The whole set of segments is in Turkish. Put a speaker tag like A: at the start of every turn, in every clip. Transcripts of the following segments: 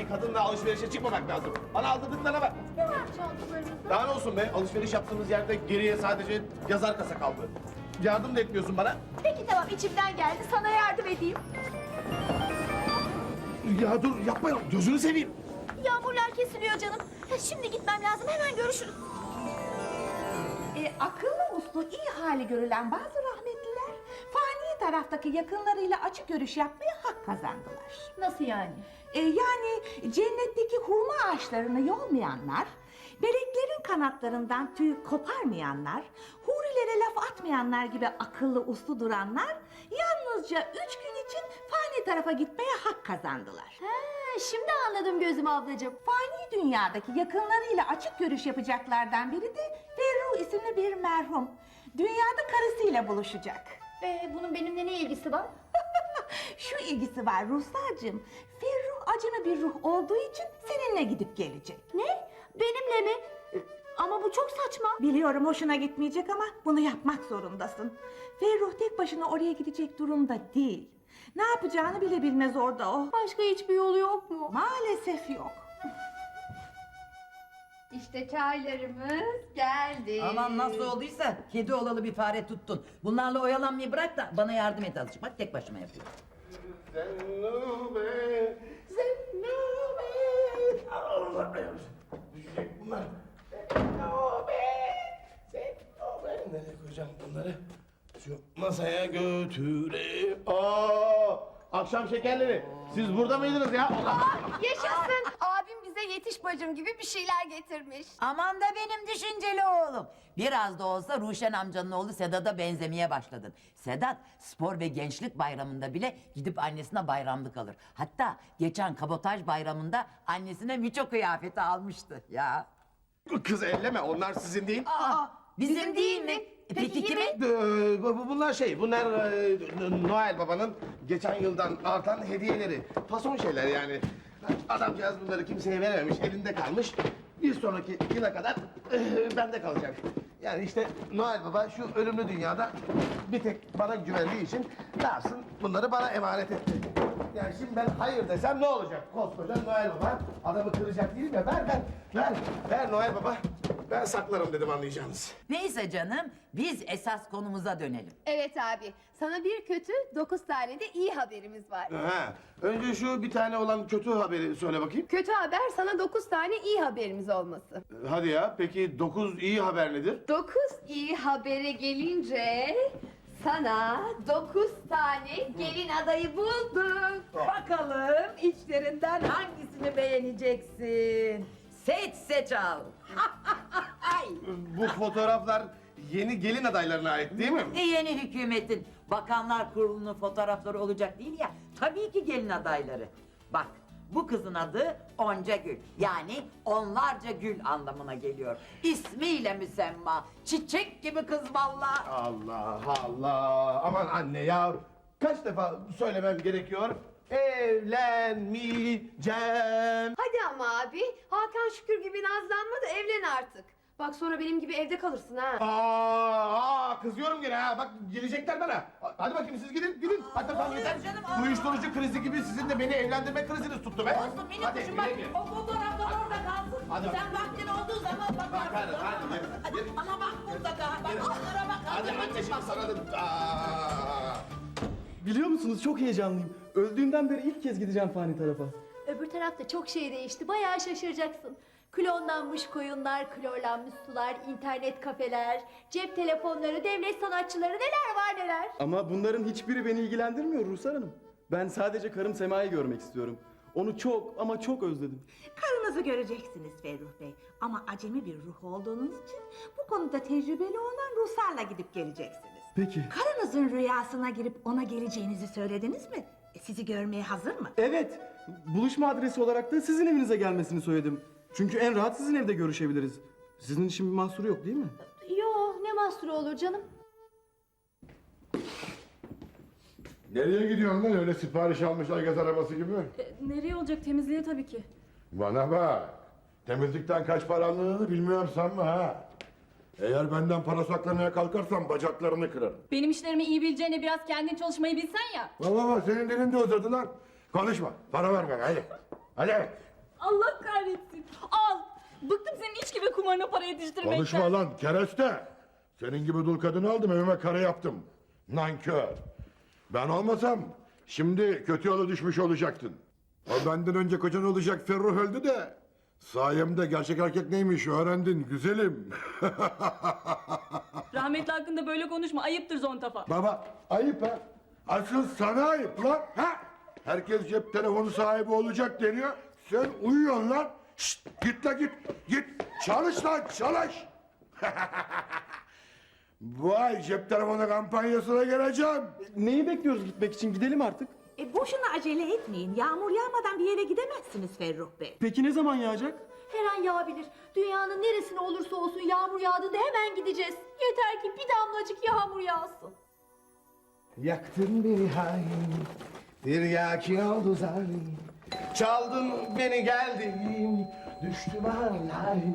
A: bir kadınla alışverişe çıkmamak lazım. Bana aldırdıklarına bak.
B: Ne var çantalarınızda?
A: Daha ne olsun be? Alışveriş yaptığımız yerde geriye sadece yazar kasa kaldı. Yardım da etmiyorsun bana.
B: Peki tamam, içimden geldi, sana yardım edeyim.
A: Ya dur yapma, gözünü seveyim.
B: Yağmurlar kesiliyor canım. Şimdi gitmem lazım, hemen görüşürüz.
C: Akıllı uslu iyi hali görülen bazı rahmetliler fani taraftaki yakınlarıyla açık görüş yapmaya hak kazandılar.
B: Nasıl yani?
C: Yani cennetteki hurma ağaçlarını yolmayanlar, meleklerin kanatlarından tüy koparmayanlar, hurilere laf atmayanlar gibi akıllı uslu duranlar yalnızca 3 gün için fani tarafa gitmeye hak kazandılar.
B: Şimdi anladım gözüm ablacığım.
C: Fani dünyadaki yakınlarıyla açık görüş yapacaklardan biri de Ferruh isimli bir merhum. Dünyada karısıyla buluşacak.
B: Bunun benimle ne ilgisi var?
C: Şu ilgisi var Ruhsar'cığım. Ferruh acemi bir ruh olduğu için seninle gidip gelecek.
B: Ne? Benimle mi? Ama bu çok saçma.
C: Biliyorum hoşuna gitmeyecek ama bunu yapmak zorundasın. Ferruh tek başına oraya gidecek durumda değil. Ne yapacağını bile bilmez orada o.
B: Başka hiçbir yolu yok mu?
C: Maalesef yok.
B: İşte çaylarımız geldi.
D: Aman nasıl olduysa kedi olalı bir fare tuttun. Bunlarla oyalanmayı bırak da bana yardım et azıcık. Bak tek başıma yapıyorum.
A: Zennube, Zennube. Allah, düşecek bunlar. Zennube, Zennube. Nereye koyacağım bunları? Şu masaya götüre. Akşam şekerleri. Siz burada mıydınız ya? Allah.
E: Yaşasın. Abim bize yetiş bacım gibi bir şeyler getirmiş.
D: Aman da benim düşünceli oğlum. Biraz da olsa Ruşen amcanın oğlu Sedat'a benzemeye başladın. Sedat spor ve gençlik bayramında bile gidip annesine bayramlık alır. Hatta geçen kabotaj bayramında annesine miço kıyafeti almıştı ya.
A: Kız elleme, onlar sizin değil.
D: Bizim değil mi? Peki kimin?
A: Bunlar bunlar Noel Baba'nın geçen yıldan artan hediyeleri. Fason şeyler yani. Adamcağız bunları kimseye verememiş, elinde kalmış. Bir sonraki yıla kadar bende kalacak. Yani işte Noel Baba şu ölümlü dünyada bir tek bana güvendiği için ne yapsın? Bunları bana emanet etti. Yani şimdi ben hayır desem ne olacak? Koskoca Noel Baba adamı kıracak değil mi? Ver Noel Baba. Ben saklarım dedim, anlayacağınız.
D: Neyse canım biz esas konumuza dönelim.
E: Evet abi. Sana bir kötü 9 tane de iyi haberimiz var.
A: Ha, önce şu bir tane olan kötü haberi söyle bakayım.
E: Kötü haber sana 9 tane iyi haberimiz olması.
A: Hadi ya, peki 9 iyi haber nedir?
E: 9 iyi habere gelince sana 9 tane gelin adayı buldum.
D: Bakalım içlerinden hangisini beğeneceksin? Seç al.
A: Bu fotoğraflar yeni gelin adaylarına ait değil mi?
D: Yeni hükümetin bakanlar kurulunun fotoğrafları olacak değil ya. Tabii ki gelin adayları. Bak bu kızın adı Onca Gül. Yani onlarca gül anlamına geliyor. İsmiyle müsemma. Çiçek gibi kız vallahi.
A: Allah Allah! Aman anne ya! Kaç defa söylemem gerekiyor? Evlenmeyeceğim.
E: Hadi ama abi. Hakan Şükür gibi nazlanma da evlen artık. Bak sonra benim gibi evde kalırsın ha.
A: Kızıyorum gene ha. Bak gelecekler bana. Hadi bakayım siz gidin. Hadi tamam yeter.
D: canım,
A: Uyuşturucu krizi gibi sizin de beni evlendirme kriziniz tuttu be.
D: Olsun benim
A: Hadi,
D: kuşum bak
A: güle güle.
D: o fotoğraflar orada kalsın.
A: Hadi.
D: Sen vaktin olduğu zaman bakarsın.
A: Bakarız, hadi, yürü.
D: Ama bak mutlaka. Bak onlara bak.
A: Hadi anne şimdi sana da...
F: Biliyor musunuz çok heyecanlıyım. Öldüğümden beri ilk kez gideceğim fani tarafa.
B: Öbür tarafta çok şey değişti, bayağı şaşıracaksın. Klonlanmış koyunlar, klorlanmış sular, internet kafeler, cep telefonları, devlet sanatçıları, neler var neler.
F: Ama bunların hiçbiri beni ilgilendirmiyor Ruhsar Hanım. Ben sadece karım Sema'yı görmek istiyorum. Onu çok ama çok özledim.
C: Karınızı göreceksiniz Ferruh Bey. Ama acemi bir ruh olduğunuz için bu konuda tecrübeli olan Ruhsar'la gidip geleceksiniz.
F: Peki.
C: Karınızın rüyasına girip ona geleceğinizi söylediniz mi? Sizi görmeye hazır mı?
F: Evet. Buluşma adresi olarak da sizin evinize gelmesini söyledim. Çünkü en rahat sizin evde görüşebiliriz. Sizin için bir mahsuru yok değil mi?
B: Yo, ne mahsuru olur canım.
G: Nereye gidiyorsun lan öyle sipariş almışlar gaz arabası gibi?
H: Nereye olacak, temizliğe tabii ki.
G: Bana bak. Temizlikten kaç para aldığını bilmiyorum sanma ha. Eğer benden para saklamaya kalkarsan bacaklarını kırarım.
H: Benim işlerimi iyi bileceğine biraz kendin çalışmayı bilsen ya.
G: Baba senin dilin de uzadı lan. Konuşma. Para ver bana hadi. Hadi.
H: Allah kahretsin. Al. Bıktım senin iç gibi kumarına para yetiştirmekten.
G: Konuşma lan kereste. Senin gibi dul kadını aldım evime kare yaptım. Nankör. Ben olmasam şimdi kötü yola düşmüş olacaktın. O benden önce kocan olacak Ferruh öldü de sayemde gerçek erkek neymiş öğrendin güzelim.
H: Rahmetli hakkında böyle konuşma. Ayıptır zontafa.
G: Baba ayıp ha. Asıl sana ayıp lan. Ha? Herkes cep telefonu sahibi olacak deniyor. Sen uyuyorsun lan. Şşt, git la git. Git. Çalış lan çalış. Bu ay cep telefonu kampanyasına geleceğim.
F: Neyi bekliyoruz gitmek için? Gidelim artık.
C: Boşuna acele etmeyin. Yağmur yağmadan bir yere gidemezsiniz Ferruh Bey.
F: Peki ne zaman yağacak?
B: Her an yağabilir. Dünyanın neresine olursa olsun yağmur yağdığında hemen gideceğiz. Yeter ki bir damlacık yağmur yağsın.
A: Yaktın beni hain, bir yakin oldu zalim. Çaldın beni geldim, düştüm hain.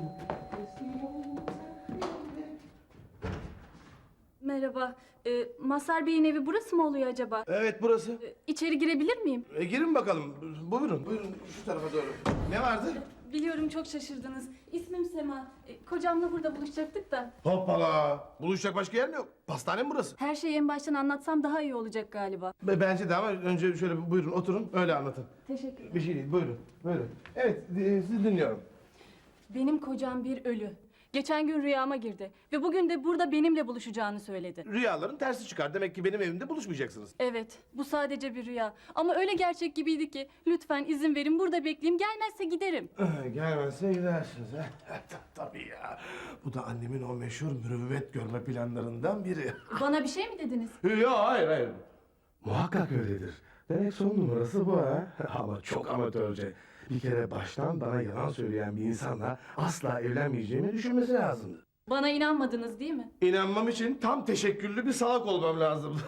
H: Merhaba. Mazhar Bey'in evi burası mı oluyor acaba?
A: Evet burası.
H: İçeri girebilir miyim?
A: Girin bakalım. Buyurun, buyurun şu tarafa doğru. Ne vardı?
H: Biliyorum çok şaşırdınız. İsmim Sema. Kocamla burada buluşacaktık da.
A: Hoppala. Buluşacak başka yer mi yok? Pastane mi burası?
H: Her şeyi en baştan anlatsam daha iyi olacak galiba.
A: Bence de ama önce şöyle buyurun oturun öyle anlatın.
H: Teşekkür ederim.
A: Bir şey değil buyurun. Buyurun. Evet sizi dinliyorum.
H: Benim kocam bir ölü. Geçen gün rüyama girdi ve bugün de burada benimle buluşacağını söyledi.
A: Rüyaların tersi çıkar. Demek ki benim evimde buluşmayacaksınız.
H: Evet, bu sadece bir rüya. Ama öyle gerçek gibiydi ki lütfen izin verin burada bekleyeyim. Gelmezse giderim.
A: Gelmezse gidersiniz ha. Tabii ya. Bu da annemin o meşhur mürüvvet görme planlarından biri.
H: Bana bir şey mi dediniz?
A: Yok hayır. Muhakkak öyledir. Demek son numarası bu ha. Ama çok amatörce. Bir kere baştan bana yalan söyleyen bir insanla asla evlenmeyeceğimi düşünmesi lazımdı.
H: Bana inanmadınız değil mi?
A: İnanmam için tam teşekküllü bir salak olmam lazımdı.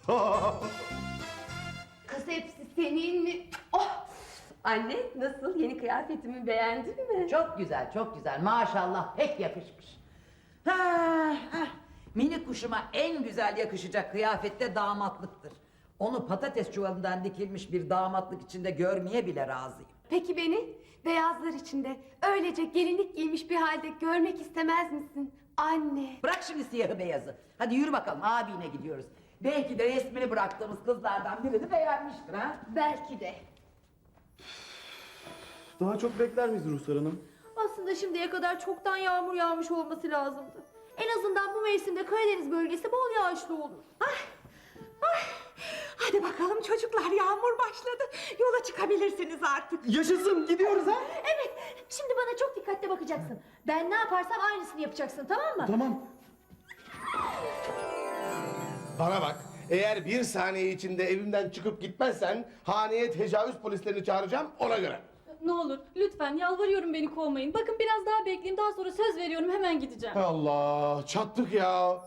E: Kız hepsi senin mi? Oh! Anne nasıl? Yeni kıyafetimi beğendin mi?
D: Çok güzel, çok güzel. Maşallah pek yakışmış. Ha, ha. Mini kuşuma en güzel yakışacak kıyafette damatlıktır. Onu patates çuvalından dikilmiş bir damatlık içinde görmeye bile razıyım.
E: Peki beni beyazlar içinde öylece gelinlik giymiş bir halde görmek istemez misin? Anne.
D: Bırak şimdi siyahı beyazı. Hadi yürü bakalım abine gidiyoruz. Belki de resmini bıraktığımız kızlardan birini beğenmiştir ha.
E: Belki de.
F: Daha çok bekler miyiz Ruhsar Hanım?
B: Aslında şimdiye kadar çoktan yağmur yağmış olması lazımdı. En azından bu mevsimde Karadeniz bölgesi bol yağışlı olur.
C: Hadi bakalım çocuklar, yağmur başladı. Yola çıkabilirsiniz artık.
F: Yaşasın, gidiyoruz ha?
B: Evet, şimdi bana çok dikkatli bakacaksın. Ben ne yaparsam aynısını yapacaksın, tamam mı?
F: Tamam.
A: Bana bak. Eğer bir saniye içinde evimden çıkıp gitmezsen haneye tecavüz polislerini çağıracağım ona göre.
H: Ne olur lütfen yalvarıyorum beni kovmayın. Bakın biraz daha bekleyin daha sonra söz veriyorum hemen gideceğim.
A: Allah çattık ya.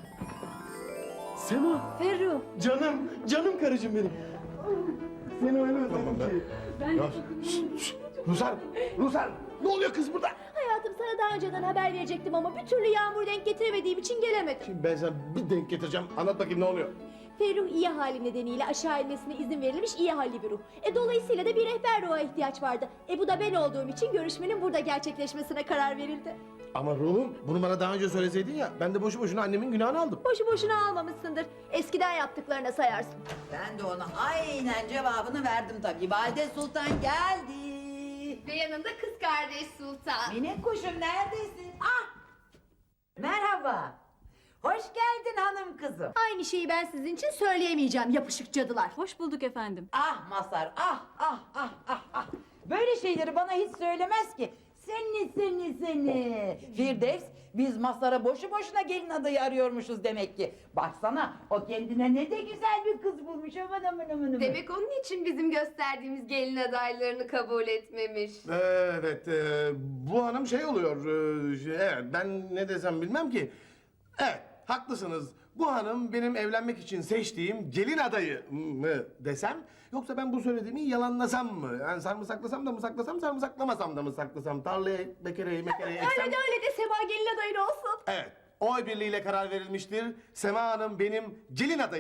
F: Sema,
H: Ferruh.
F: canım karıcığım benim. Seni öyle özledim ki.
H: Ben de
A: Rusar ne oluyor kız burada?
B: Hayatım sana daha önceden haber verecektim ama bir türlü yağmur denk getiremediğim için gelemedim.
A: Şimdi ben sana bir denk getireceğim. Anlat bakayım ne oluyor?
B: Ferruh iyi hali nedeniyle aşağı inmesine izin verilmiş iyi halli bir ruh. Dolayısıyla da bir rehber ruha ihtiyaç vardı. Bu da ben olduğum için görüşmenin burada gerçekleşmesine karar verildi.
A: Ama ruhum bunu bana daha önce söyleseydin ya. Ben de boşu boşuna annemin günahını aldım.
B: Boşu boşuna almamışsındır. Eskiden yaptıklarına sayarsın.
D: Ben de ona aynen cevabını verdim tabii. Valide Sultan geldi.
E: Ve yanında kız kardeş Sultan.
D: Minik kuşum neredesin? Ah! Merhaba. Hoş geldin hanım kızım.
B: Aynı şeyi ben sizin için söyleyemeyeceğim yapışık cadılar.
H: Hoş bulduk efendim.
D: Ah Mazhar, ah. Böyle şeyleri bana hiç söylemez ki. Seni. Firdevs, biz Mazhar'a boşu boşuna gelin adayı arıyormuşuz demek ki. Baksana, o kendine ne de güzel bir kız bulmuş. Aman.
E: Demek onun için bizim gösterdiğimiz gelin adaylarını kabul etmemiş.
A: Evet, bu hanım şey oluyor. Evet, ben ne desem bilmem ki. Evet, haklısınız. Bu hanım benim evlenmek için seçtiğim gelin adayı mı desem? Yoksa ben bu söylediğimi yalanlasam mı? Yani sarımsaklasam da mı saklasam, sarımsaklamasam da mı saklasam? Tarlaya mekereyi eksem...
B: Öyle de Sema gelin adayın olsun.
A: Evet, oy birliğiyle karar verilmiştir. Sema Hanım benim gelin adayımdır.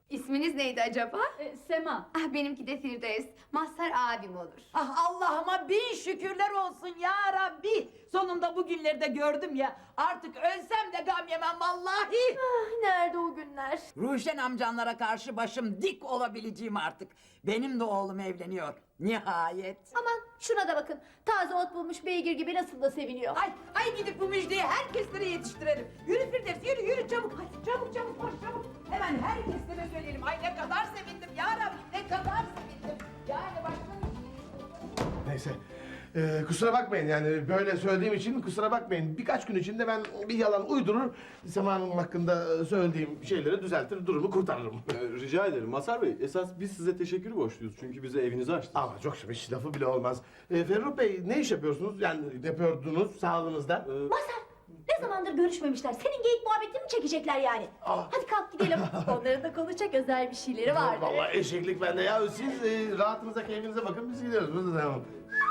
E: İsminiz neydi acaba?
H: Sema.
E: Ah, benimki de Firdevs. Mazhar abim olur.
D: Ah Allah'ıma bin şükürler olsun ya Rabbi. Sonunda bu günleri de gördüm ya. Artık ölsem de gam yemem vallahi.
B: Ah, nerede o günler?
D: Ruşen amcanlara karşı başım dik olabileceğim artık. Benim de oğlum evleniyor. Nihayet.
B: Aman şuna da bakın. Taze ot bulmuş beygir gibi nasıl da seviniyor.
D: Ay gidip bu müjdeyi herkeslere yetiştirelim. Yürü Firdevs yürü çabuk. Hadi çabuk koş çabuk. Hemen herkeslere söyleyelim. Ay ne kadar sevindim ya Rabbi, ne kadar sevindim. Yani başka
A: Neyse. Kusura bakmayın yani böyle söylediğim için kusura bakmayın. Birkaç gün içinde ben bir yalan uydurur, Sema Hanım hakkında söylediğim şeyleri düzeltir, durumu kurtarırım.
F: Rica ederim Mazhar Bey. Esas biz size teşekkür borçluyuz. Çünkü bize evinizi açtınız.
A: Ama çok hiç lafı bile olmaz. Ferruh Bey ne iş yapıyorsunuz? Yani yapıyordunuz sağlığınızda?
B: Mazhar ne zamandır görüşmemişler. Senin geyik muhabbetini mi çekecekler yani? Hadi kalk gidelim. Onların da konuşacak özel bir şeyleri vardır.
A: Vallahi eşeklik bende ya. Siz rahatınıza, keyfinize bakın, biz gidiyoruz. Biz de devam.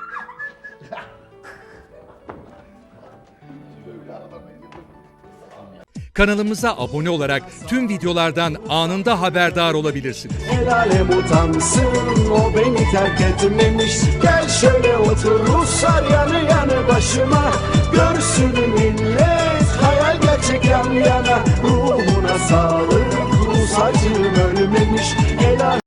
I: Kanalımıza abone olarak tüm videolardan anında haberdar olabilirsiniz.
J: El alem utansın, o beni terk etmemiş. Gel şöyle otur Ruslar yanı yanı başıma. Görsün millet hayal gerçek yan yana. Ruhuna sağlık, Rus acım ölmemiş. El alem